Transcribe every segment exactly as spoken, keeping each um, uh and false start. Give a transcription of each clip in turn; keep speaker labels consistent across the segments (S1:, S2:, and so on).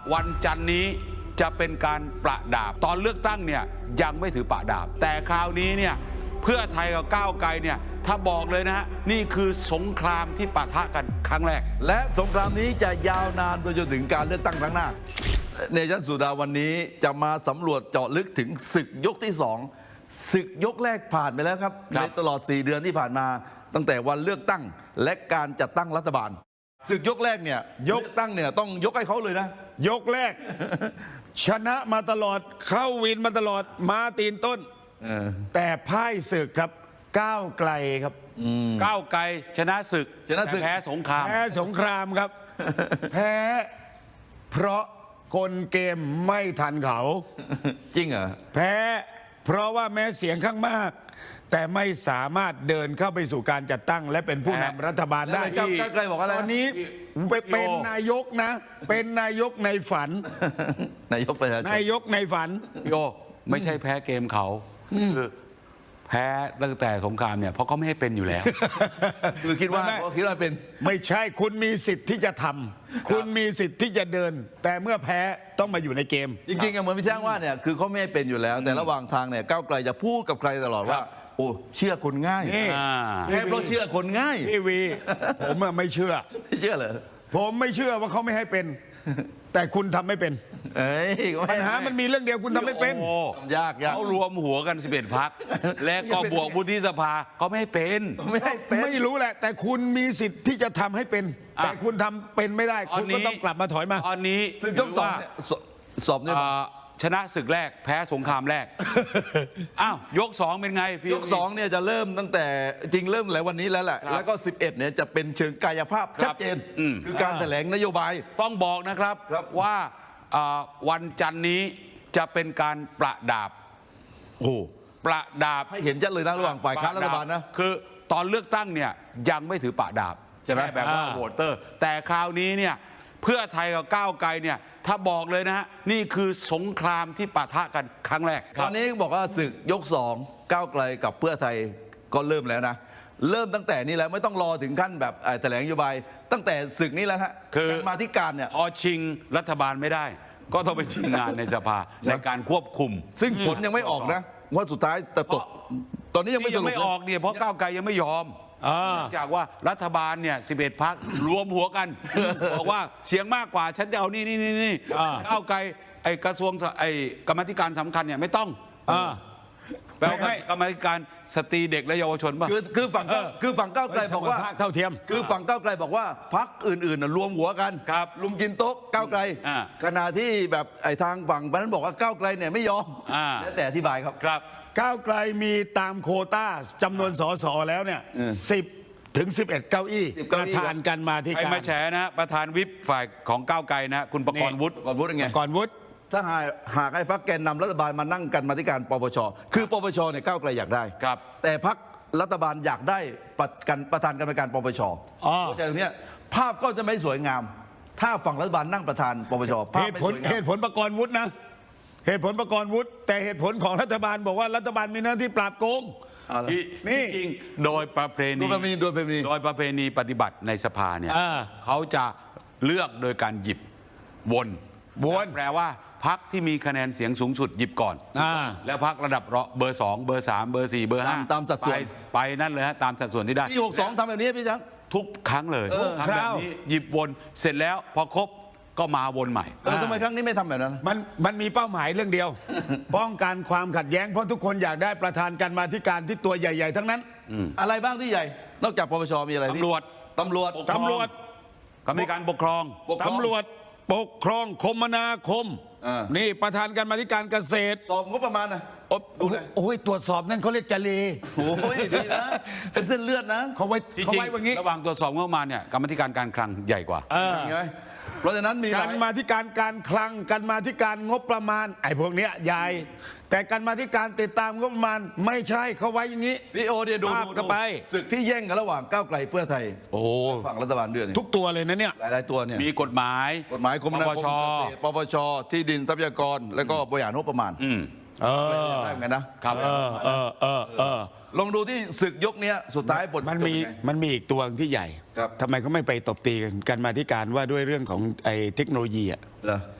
S1: วันจันทร์นี้จะเป็นการประดาบตอนเลือกตั้งเนี่ยยังไม่ถือประดาบแต่คราวนี้เนี่ยเพื่อไทยกับก้าวไกลเนี่ยถ้าบอกเลยนะฮะนี่คือสงครามที่ปะทะกันครั้งแรก
S2: และสงครามนี้จะยาวนานไปจนถึงการเลือกตั้งครั้งหน้าเนชั่นสุดาวันนี้จะมาสำรวจเจาะลึกถึงศึกยกที่สองศึกยกแรกผ่านไปแล้วครับในตลอดสี่เดือนที่ผ่านมาตั้งแต่วันเลือกตั้งและการจัดตั้งรัฐบาลศึกยกแรกเนี่ยยกตั้งเนี่ยต้องยกให้เขาเลยนะ
S3: ยกแรก ชนะมาตลอดเข้าวินมาตลอดมาตีนต้นแต่พ่ายศึกครับก้าวไกลครับ
S1: ก้าวไกลชนะศึก
S2: ชนะศึก
S1: แพ้สงคราม
S3: แพ้สงครามครับ แพ้เพราะกลเกมไม่ทันเขา
S2: จริงเหรอ
S3: แพ้เพราะว่าแม้เสียงข้างมากแต่ไม่สามารถเดินเข้าไปสู่การจัดตั้งและเป็นผู้นำรัฐบาลได้
S2: ก้าวไกลบอกอะไร
S3: ตอนนี้เป็นนายกนะเป็นนายกในฝัน
S2: นายกประชาชน
S3: นายกในฝัน
S1: โยไม่ใช่แพ้เกมเขาคือแพ้ตั้งแต่สงครามเนี่ยเพราะเขาไม่ให้เป็นอยู่แล้ว
S2: คือคิดว่าคิดว่าเป็น
S3: ไม่ใช่คุณมีสิทธิ์ที่จะทำคุณมีสิทธิ์ที่จะเดินแต่เมื่อแพ้ต้องมาอยู่ในเกม
S2: จริงๆเหมือนพี่ช่างว่าเนี่ยคือเขาไม่ให้เป็นอยู่แล้วแต่ระหว่างทางเนี่ยก้าวไกลจะพูดกับใครตลอดว่าโอ้เชื่อคนง่ายแค่เพราะเชื่อคนง่าย
S3: พี่วีผมไม่เชื่อ
S2: ไม่เชื่อเหรอ
S3: ผมไม่เชื่อว่าเขาไม่ให้เป็นแต่คุณทำไม่เป็นปัญหามันมีเรื่องเดียวคุณทำไม่เป็น
S2: ยากยาก
S1: เขารวมหัวกันสิบเอ็ดพรรคและก็บวกวุฒิสภาเขาไม่ให้เป็น
S3: ไม่ให้เป็นไม่รู้แหละแต่คุณมีสิทธิ์ที่จะทำให้เป็นแต่คุณทำเป็นไม่ได้คุณก็ต้องกลับมาถอยมา
S1: ตอนนี้
S2: ซึ่งต้องสอบสอบเนี่ย
S1: ชนะศึกแรกแพ้สงครามแรกอ้าวยกสองเป็นไงพี่
S2: ยกสองเนี่ยจะเริ่มตั้งแต่จริงเริ่มหลายวันนี้แล้วแหละแล้วก็สิบเอ็ดเนี่ยจะเป็นเชิงกายภาพชัดเจนคือการแถลงนโยบาย
S1: ต้องบอกนะครับว่าวันจันทร์นี้จะเป็นการประดาบ
S2: โอ้
S1: ประดาบ
S2: ให้เห็นชัดเลยนะระหว่างฝ่ายค้านรัฐบาลนะ
S1: คือตอนเลือกตั้งเนี่ยยังไม่ถือประดาบใช่ไหมแบบว่าโหวตเตอร์แต่คราวนี้เนี่ยเพื่อไทยกับก้าวไกลเนี่ยถ้าบอกเลยนะฮะนี่คือสงครามที่ปะทะกันครั้งแรก
S2: ตอนนี้บอกว่าศึกยกสองก้าวไกลกับเพื่อไทยก็เริ่มแล้วนะเริ่มตั้งแต่นี้แล้วไม่ต้องรอถึงขั้นแบบแถลงนโยบายตั้งแต่ศึกนี้แล้วฮะ
S1: คือ
S2: มาที่การเนี่ย
S1: พอชิงรัฐบาลไม่ได้ก็ต้องไปชิงงานในสภาในการควบคุม
S2: ซึ่งผลยังไม่ออกนะว่าสุดท้ายจะตกตอนนี้ยังไม่
S1: ยังไม่ออกเนี่ยเพราะก้าวไกลยังไม่ยอมจากว่ารัฐบาลเนี่ยสิบเอ็ดพรรครวมหัวกันบอกว่าเสียงมากกว่าฉันจะเอานี่นี่นี่นี่ก้าวไกลไอ้กระทรวงไอ้กรรมธิการสำคัญเนี่ยไม่ต้องแปลว่ากรรมธิการสตรีเด็กและเยาวชนป่ะ
S2: คือคือฝั่งคือฝั่งก้าวไกลบอกว่า
S3: เท่าเทียม
S2: คือฝั่งก้าวไกลบอกว่าพรรคอื่นๆรวมหัวกัน
S1: ครับ
S2: ลุมกินโต๊ะก้าวไกลขณะที่แบบไอ้ทางฝั่งนั้นบอกว่าก้าวไกลเนี่ยไม่ยอมแล้วแต่อธิบายครับ
S1: ครับ
S3: ก้าวไกลมีตามโควต้าจำนวนสสแล้วเนี่ยสิบถึงสิบเอ็ดเก้าอี้ประธานกันมาที่การ
S1: ใครมาแฉนะประธานวิปฝ่ายของก้าวไกลนะคุณประกรณ์วุฒิ
S2: ประกรณ์วุฒิไง
S3: ประกรณ์วุฒิ
S2: ถ้าหากหากให้พรรคแกนนำรัฐบาลมานั่งกันมาที่การปปชคือปปชเนี่ยก้าวไกลอยากได้
S1: ครับ
S2: แต่พรรครัฐบาลอยากได้ประกันประธานกรรมการปปชเข้าใจตรงนี้ภาพก็จะไม่สวยงามถ้าฝั่งรัฐบาลนั่งประธานปปช
S3: เหตุผลเหตุผลประกรณ์วุฒินะเหตุผลประกรณ์วุฒิแต่เหตุผลของรัฐบาลบอกว่ารัฐบาลมีหน้าที่ปราบโกง
S1: นี่จริงโดยประเพณี
S2: โดยประเพณี
S1: โดยประเพณีปฏิบัติในสภาเนี่ยเขาจะเลือกโดยการหยิบวน
S3: วน
S1: แปลว่าพรรคที่มีคะแนนเสียงสูงสุดหยิบก่อนแล้วพรรคระดับเบอร์สองเบอร์สามเบอร์สี่เบอร์ห้า
S2: ตามสัดส่วน
S1: ไปนั่นเลยฮะตามสัดส่วนที่ได้
S2: ปีหกสองทำแบบนี้พี่จัง
S1: ทุกครั้งเลยทำแบบนี้หยิบวนเสร็จแล้วพอครบก็มาวนใหม่
S2: ทำไมครั้งนี้ไม่ทำแบบนั้น
S3: มันมันมีเป้าหมายเรื่องเดียว ป้องกันความขัดแย้งเพราะทุกคนอยากได้ประธานกรรมาธิการที่ตัวใหญ่ๆทั้งนั้น
S2: อะไรบ้างที่ใหญ่นอกจากปปชมีอะไร
S1: ตำรวจ
S2: ตำรวจ
S3: ตำรวจ
S1: กรรมการปกครอง
S3: ตำรวจปกครองคมนาคมนี่ประธานกรรมาธิการเกษตร
S2: สอบงบประมาณนะ
S3: โอ้ยตรวจสอบนั่นเขาเรียกจเล
S2: โอ้ยดีนะเป็นเส้นเลือดนะ
S3: เขาไว้เขาไว้แบบนี้
S1: ระหว่างตรวจสอบงบประมาณเนี่ยกรรมธิการการคลังใหญ่กว่า
S2: เพราะฉะนั้นมี
S3: การมาธิการการคลังการมาธิการงบประมาณไอ้พวกเนี้ยใหญ่แต่การมาธิการติดตามงบประมาณไม่ใช่เขาไว้อย่างนี้
S2: พี่โอเดียดู
S3: ก็ไป
S2: ศึกที่แย่งกันระหว่างก้าวไกลเพื่อไทย
S3: โอ้
S2: ฝั่งรัฐบาลด้วย
S3: ทุกตัวเลยนะเนี่ย
S2: หลายๆตัวเนี่ย
S1: มีกฎหมาย
S2: กฎหมายกรมนาคมปปชที่ดินทรัพยากรแล้วก็บริหารงบประมาณ
S3: เออ
S2: ได้เหมือนกันนะครับ
S3: เออเออเออเออ
S2: ลองดูที่ศึกยกนี้สุดท้ายผล
S3: มันมีมันมีอีกตัวที่ใหญ่ทำไมเขาไม่ไปตบตีกันกันมาที่การว่าด้วยเรื่องของไอ้เทคโนโลยีอ่ะ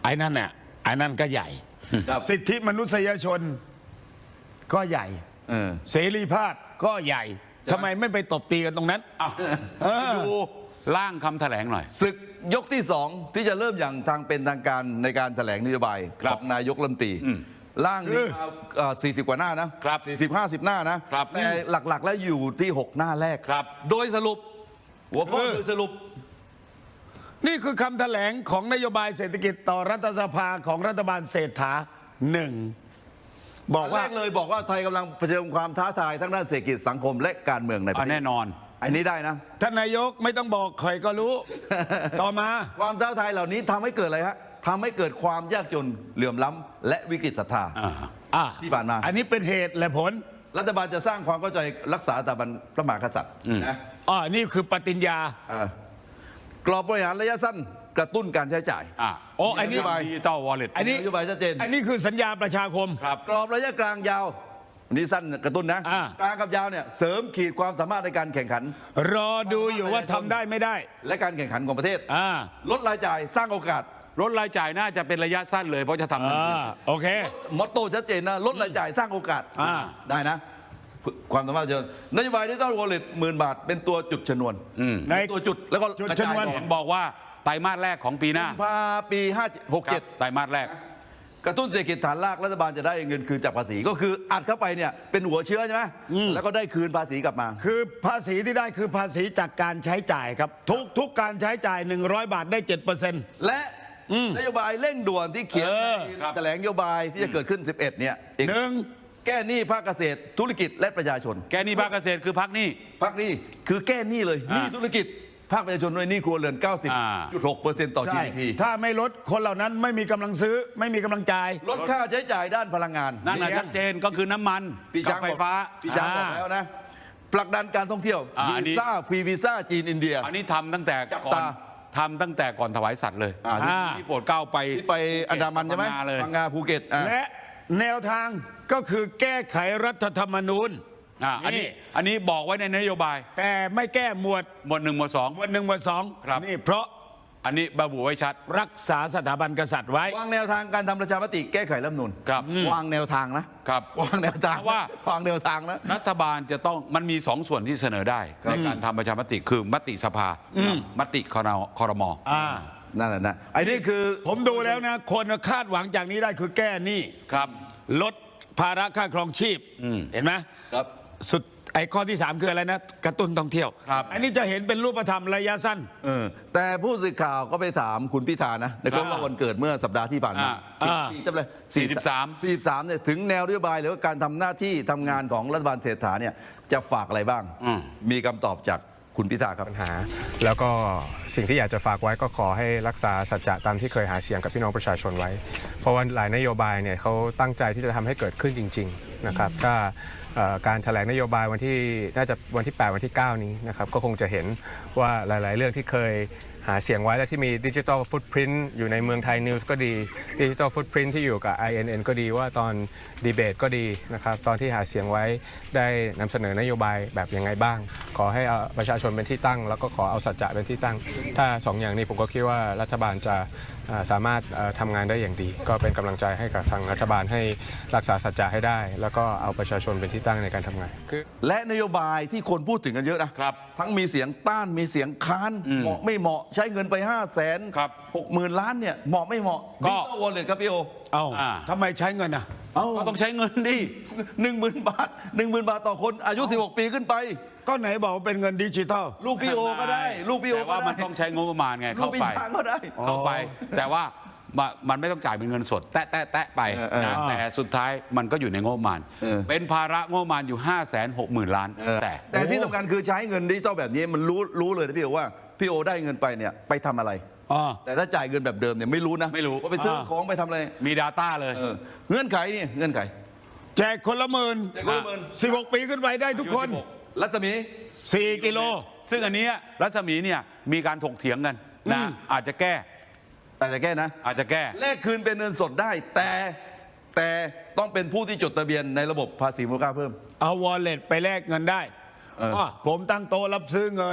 S3: ไอ้นั่นน่ะไอ้นั่นก็ใหญ่
S2: ครับ
S3: สิทธิมนุษยชนก็ใหญ่
S2: เออ
S3: เสรีภาพก็ใหญ่ทำไมไม่ไปตบตีกันตรงนั้น
S1: อ้าว
S3: เออ
S1: ดูร่างคำแถลงหน่อย
S2: ศึกยกที่สองที่จะเริ่มอย่างทางเป็นทางการในการแถลงนโยบาย
S1: ครั
S2: ข
S1: บ
S2: องนายกรัฐมนตรีร่างนี้มาเอ่อสี่สิบกว่าหน้านะครับ สี่สิบห้าสิบหน้านะครับ แต่หลักๆ แล้วอยู่ที่หกหน้าแรก
S1: ครับ
S2: โดยสรุป หัวข้อ
S3: เออ
S2: โดยสรุป
S3: นี่คือคำแถลงของนโยบายเศรษฐกิจต่อรัฐสภาของรัฐบาลเศรษฐาหนึ่งบอกว่า
S2: แรกเลยบอกว่าไทยกำลังเผชิญความท้าทายทั้งด้านเศรษฐกิจสังคมและการเมืองในประ
S1: อ่ะ
S2: เทศ
S1: แน่นอน
S2: อันนี้ได้นะ
S3: ท่านนายกไม่ต้องบอกใครก็รู้ ต่อมา
S2: ความท้าทายเหล่านี้ทำให้เกิดอะไรฮะทำให้เกิดความยากจนเหลื่อมล้ำและวิกฤตศรัทธา
S1: อ่า
S3: อ่ะ
S2: ที่ผ่านมา
S3: อันนี้เป็นเหตุและผล
S2: รัฐบาลจะสร้างความเข้าใจรักษาสถาบันพระมหากษัตริย์นะ
S3: อ๋อนี่คือปฏิญญา
S2: อ่ากรอบบริหารระยะสั้นกระตุ้นการใช้จ่าย
S1: อ่ะ
S3: โอ้อันนี้
S1: ดิจิตอลวอลเล็ต
S3: อันนี้
S2: นโยบายชัดเจน
S3: อันนี้คือสัญญาประชาคม
S1: ครับ
S2: กรอบระยะกลางยาวอันนี้สั้นกระตุ้นนะ
S3: อ่าก
S2: ลางกับยาวเนี่ยเสริมขีดความสามารถในการแข่งขัน
S3: รอดูอยู่ว่าทำได้ไม่ได้
S2: และการแข่งขันของประเทศ
S3: อ่า
S2: ลดรายจ่ายสร้างโอกาส
S1: ลดรายจ่ายน่าจะเป็นระยะสั้นเลยเพราะจะทำทัน
S3: อ่า
S1: ที
S3: โอเค
S2: มอตโต้ชัดเจนนะลดรายจ่ายสร้างโอกาส
S3: อ่า
S2: ได้นะ ความสามารถเจอนโยบายดิจิตอลวอลเล็ตหมื่นบาทเป็นตัวจุดชนวน
S3: ใน
S2: เป็นตัวจุดแล้วก็
S3: จุด
S2: กระ
S3: ช
S2: จาย
S3: นวน
S2: ต่อ
S1: เห็นบอกว่าไตรมาสแรกของปีหน้า
S2: กุมภาปีห้าหก
S1: ครั
S2: เจ็
S1: บ
S2: ด
S1: ไตรมาสแรก
S2: กระตุ้นเศรษฐกิจฐานรากรัฐบาลจะได้เงินคืนจากภาษี ก็คืออัดเข้าไปเนี่ยเป็นหัวเชื้อใช่ไหมแล้วก็ได้คืนภาษีกลับมา
S3: คือภาษีที่ได้คือภาษีจากการใช้จ่ายครับ ทุกทุกการใช้จ่าย หนึ่งร้อยบาทได้ เจ็ดเปอร์เซ็นต์
S2: และนโยบายเร่งด่วนที่เขียน
S3: เออ
S2: ใน
S1: ครับ
S2: แถลงนโยบายที่จะเกิดขึ้น สิบเอ็ดเนี่ยอีก
S3: หนึ่ง
S2: แก้หนี้ภาคเกษตรธุรกิจและประชาชน
S1: แกนี่ภาคเกษตรคือพักหนี้
S2: ภาคหนี้คือแก้หนี้เลยห
S1: อ่า
S2: นี้ธุรกิจภาคประชาชนด้วยหนี้ครัวเรือน เก้าสิบจุดหกเปอร์เซ็นต์ ต่อ
S3: ใช่
S2: จี ดี พี
S3: ถ้าไม่ลดคนเหล่านั้นไม่มีกำลังซื้อ ไม่มีกำลังจ่าย
S2: ลดค่าใช้จ่ายด้านพลังงาน
S1: นั่นน่ะ
S3: เลี้ยง
S1: ชัดเจนก็คือน้ำมัน
S2: พี่
S1: กั
S2: ช้า
S1: บ
S2: ง
S1: ไฟ
S2: บอก
S1: ฟ้า
S2: พี่ช้างบอก
S3: อ่า
S2: แล้วนะผลักดันการท่องเที่ยว
S1: อ่าอันนี้
S2: วีซ่าฟรีวีซ่าจีนอินเดีย
S1: อันนี้ทำตั้งแต่
S2: จับ
S1: ก่อน
S2: ตา
S1: ทำตั้งแต่ก่อนถวายสัตว์เลย
S2: อ่า
S3: อ่า
S1: ที่โปรดเกล้าไป
S2: ที่ไปอันดามันใช่ไหม
S1: พังงาเลย
S2: พังงาภูเก็ตอ่า
S3: และแนวทางก็คือแก้ไขรัฐธรรมนูญ
S1: อ่าอันนี้อันนี้บอกไว้ในนโยบาย
S3: แต่ไม่แก้หมวด
S1: หมวดหนึ่งหมวดสอง
S3: หมวดหนึ่งหมวดสอง
S1: ครับ
S3: นี่เพราะ
S1: อันนี้ระบุไว้ชัด
S3: รักษาสถาบันกษัตริย์ไว้
S2: วางแนวทางการทำประชามติแก้ไขรัฐธรรมนูญ
S1: ครับ
S2: วางแนวทางนะครับ วางแนวทาง
S1: เพราะว่า
S2: วางแนวทางนะ
S1: รัฐบาลจะต้องมันมีสองส่วนที่เสนอได้ในการทำประชามติคือมติสภากับมติคณะคอรมอ
S3: อ่า
S2: นั่นแหละนะไอ้นี่คือ
S3: ผมดูแล้วนะ คนคาดหวังจากนี้ได้คือแก้หนี้
S1: ครับ
S3: ลดภาระค่าครองชีพ เห็นไหม
S2: ครับ
S3: สุดไอ้ข้อที่สามคืออะไรนะ กระตุ้นท่องเที่ยว
S1: ครับ
S3: อันนี้จะเห็นเป็นรูปธรรมระยะสั้น
S2: เออแต่ผู้สื่อข่าวก็ไปถามคุณพิธานะในครบรอบวันเกิดเมื่อสัปดาห์ที่ผ่านมา
S3: อ่า
S2: สี่จำเลย
S1: สี่สิบสาม
S2: สี่สิบสามเนี่ยถึงแนวนโยบายหรือว่าการทำหน้าที่ทำงานของรัฐบาลเศรษฐาเนี่ยจะฝากอะไรบ้าง
S1: อืม
S2: มีคำตอบจากคุณพิธาครับ
S4: ปัญหาแล้วก็สิ่งที่อยากจะฝากไว้ก็ขอให้รักษาสัจจะตามที่เคยหาเสียงกับพี่น้องประชาชนไว้ เพราะว่าหลายนโยบายเนี่ยเขาตั้งใจที่จะทำให้เกิดขึ้นจริงๆนะครับถ้าเอ่อการแถลงนโยบายวันที่น่าจะวันที่แปดวันที่เก้านี้นะครับก็คงจะเห็นว่าหลายๆ เรื่องที่เคยหาเสียงไว้และที่มีดิจิทัลฟุตพิ้นอยู่ในเมืองไทยนิวส์ก็ดีดิจิทัลฟุตพิ้นที่อยู่กับ ไอ เอ็น เอ็น ก็ดีว่าตอนดีเบตก็ดีนะครับตอนที่หาเสียงไว้ได้นำเสนอนโยบายแบบยังไงบ้าง ขอให้เอาประชาชนเป็นที่ตั้ง แล้วก็ขอเอาสัจจะเป็นที่ตั้ง ถ้าสองอย่างนี้ผมก็คิดว่ารัฐบาลจะเอ่อสามารถเอ่อทำงานได้อย่างดี ก็เป็นกำลังใจให้กับทางรัฐบาลให้รักษาสัจจะให้ได้ แล้วก็เอาประชาชนเป็นที่ตั้งในการทำงานคือ
S2: และนโยบายที่คนพูดถึงกันเยอะนะครับ ทั้งมีเสียงต้านมีเสียงค้านเหมาะไม่เหมาะใช้เงินไปห้าแสน
S1: ครับ
S2: หกหมื่นล้านเนี่ยเหมาะไม่เหมาะ
S1: ก็
S2: ดิจิตอลวอลเล็ตครับพี่โอ
S3: เอ้า
S1: อ่า
S3: ทำไมใช้เงินอ่ะ
S2: เอ้า
S1: ก็ต้องใช้เงินดิ
S2: หนึ่งหมื่นบาทหนึ่งหมื่นบาทต่อคนอายุสิบหกปีขึ้นไป
S3: ก็ไหนบอกว่าเป็นเงินดิจิทัล
S2: ลูกพี่โอก็ได้ ลูกพี่โอ
S1: แต่
S2: ก็
S1: ว่า
S2: ได้
S1: มันต้องใช้งบประมาณไง
S2: ลู
S1: เข้าก
S2: พี่
S1: ไป
S2: ช้างก็ได้
S1: เข้าไป แต่ว่ามันมันไม่ต้องจ่ายเป็นเงินสด แตะแตะแตะไป
S2: เออเออ
S1: นะแต่สุดท้ายมันก็อยู่ในงบประมาณ
S2: เออ
S1: เป็นภาระงบประมาณอยู่ 5 6 0 0 0 0 ล้าน แต่
S2: แต่ที่สำคัญคือใช้เงินดิจิตอลแบบนี้มันรู้รู้เลยนะพี่โอว่าพี่โอได้เงินไปเนี่ยไปทำอะไร
S3: อ๋อ
S2: แต่ถ้าจ่ายเงินแบบเดิมเนี่ยไม่รู้นะ
S1: ไม่รู้
S2: ว่าไปซื้อของไปทำอะไร
S1: มี Data เลย
S2: เออเงื่อนไขนี่เงื่อนไข
S3: แจกคนละหมื่น
S2: แจกคนละหมื่น
S3: สิบหกปีขึ้นไปได้ทุกคน
S2: รัศมี
S3: สี่กิโล
S1: ซึ่งอันเนี้ยรัศมีเนี่ยมีการถกเถียงกันนะ
S3: อืม
S1: อาจจะแก้
S2: แต่จะแก้นะ
S1: อาจจะแก้
S2: แลกคืนเป็นเงินสดได้ แต่แต่ต้องเป็นผู้ที่จดทะเบียนในระบบภาษีมูลค่าเพิ่ม
S3: เอาวอลเล็ตไปแลกเงินได้
S2: เอออ่
S3: ะผมตั้งโต๊ะรับซื้อเงิน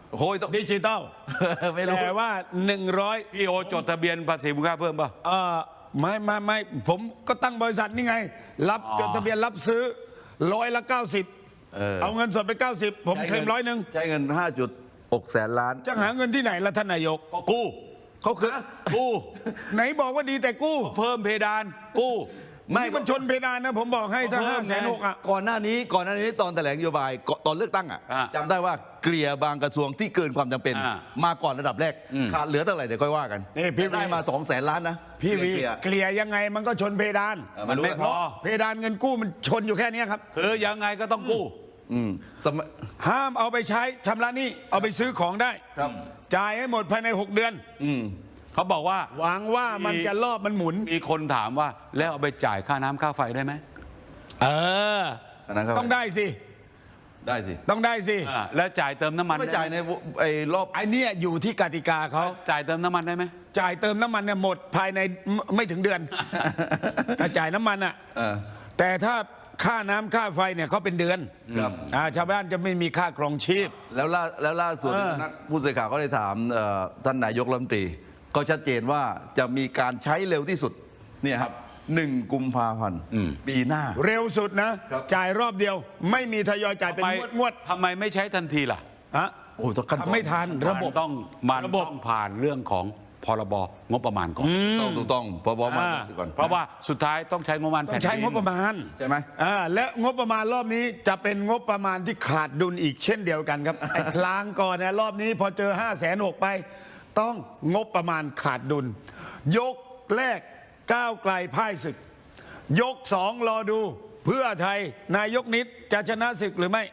S2: โอ้ยต้อง
S3: ดิจิตอล
S2: ไม่รู้
S3: แต่ว่าหนึ่งร้อย
S1: พี่โอจดทะเบียนภาษีมูลค่าเพิ่มป่ะ
S3: เอ่อไม่ไม่ไม่ผมก็ตั้งบริษัทนี่ไง รับ
S1: อ๋อ
S3: จดทะเบียนรับซื้อร้อยละเก้าสิบ
S2: เออ
S3: เอาเงินสดไปเก้าสิบผมเคลมร้อยหนึ่ง
S2: ใช้เงินห้าจุดหกแสนล้าน
S3: จะหาเงินที่ไหนล่ะท่านนายก
S1: ก็กู้
S3: เขาคือ
S1: กู้
S3: ไหนบอกว่าดีแต่กู้
S1: เพิ่มเพดานกู้
S2: ไม่
S3: นี่มันชนเพดานนะผมบอกให้ถ้า
S1: เพิ่
S3: ห้าม แสน
S1: ไง
S3: หกอ่ะ
S2: ก่อนหน้านี้ก่อนหน้านี้ตอนแถลงนโยบายก่อนตอนเลือกตั้งอ่ะ
S1: อ่า
S2: จำได้ว่าเกลี่ยบางกระทรวงที่เกินความจำเป็น
S1: อ่า
S2: มาก่อนระดับแรก
S1: อืม
S2: ขาดเหลือเท่าไหร่เดี๋ยวค่อยว่ากัน
S3: นี่พี่
S2: ได้มาสองแสนล้านนะ
S3: พี่วี
S2: เกลี่ย
S3: เกลี่ยยังไงมันก็ชนเพดาน
S2: เออ
S1: มันไม่พอ
S3: เพดานเงินกู้มันชนอยู่แค่เนี้ยครับ
S1: คือยังไงก็ต้องกู้
S2: อืมสมัย
S3: ห้ามเอาไปใช้ชำระหนี้เอาไปซื้อของได้
S2: ครับ
S3: จ่ายให้หมดภายในหกเดือน
S2: อืม
S1: เขาบอกว่า
S3: หวังว่ามันจะรอบมันหมุน
S1: มีคนถามว่าแล้วเอาไปจ่ายค่าน้ำค่าไฟได้ไหม
S3: เออ
S2: อันนั้นครับ
S3: ต้องได้สิ
S2: ได้สิ
S3: ต้องได้สิ
S1: อ่าแล้วจ่ายเติมน้ำมัน
S2: ไม่
S1: ได้
S2: จ่าย
S1: ไหม
S2: ในไอ้รอบ
S3: ไอเนี้ยอยู่ที่กติกาเขา
S1: จ่ายเติมน้ำมันได้ไหม
S3: จ่ายเติมน้ำมันเนี่ยหมดภายในไม่ไม่ถึงเดือน ถ้าจ่ายน้ำมันอ่ะ
S2: เออ
S3: แต่ถ้าค่าน้ำค่าไฟเนี่ยเขาเป็นเดือน
S2: ครับ
S3: อ่าชาวบ้านจะไม่มีค่าครองชีพ
S2: แล้วล่าแล้วล่าสุด
S3: เออ
S2: นักผู้สื่อข่าวก็เลยถามเอ่อท่านนายกรัฐมนตรีก็ชัดเจนว่าจะมีการใช้เร็วที่สุดเนี่ยครับหนึ่งกุมภาพันธ์ปีหน้า
S3: เร็วสุดนะ
S2: ครับ
S3: จ่ายรอบเดียว ไม่มีทยอยจ่ายเป็น
S1: ทำไม
S3: งวดงวด
S1: ทำไมไม่ใช้ทันทีล่ะ
S3: ๆฮะ
S2: โอ้ต้องขั้นตอน
S3: ทำไม่ทันระบบ
S1: มันต้องมัน
S3: ระบบ
S1: ต้องผ่านเรื่องของพรบงบประมาณก่อน
S2: ต้องถูกต้องพอบอมา
S3: อ่า
S2: ก่อน
S1: เพราะว่าสุดท้ายต้องใช้งบประมาณ
S3: ต้อ
S1: แผ่
S3: ง
S1: น
S3: ใช้
S1: ดิน
S3: งบประมาณ
S2: ใช่ไหม
S3: อ่าและงบประมาณรอบนี้จะเป็นงบประมาณที่ขาดดุลอีกเช่นเดียวกันครับ ไอ้พลางก่อนนะรอบนี้พอเจอห้าแสนหกไป ต้องงบประมาณขาดดุล ยกแรกก้าวไกลพ่ายศึก ยกสองรอดู เพื่อไทยนายกนิดจะชนะศึกหรือไม่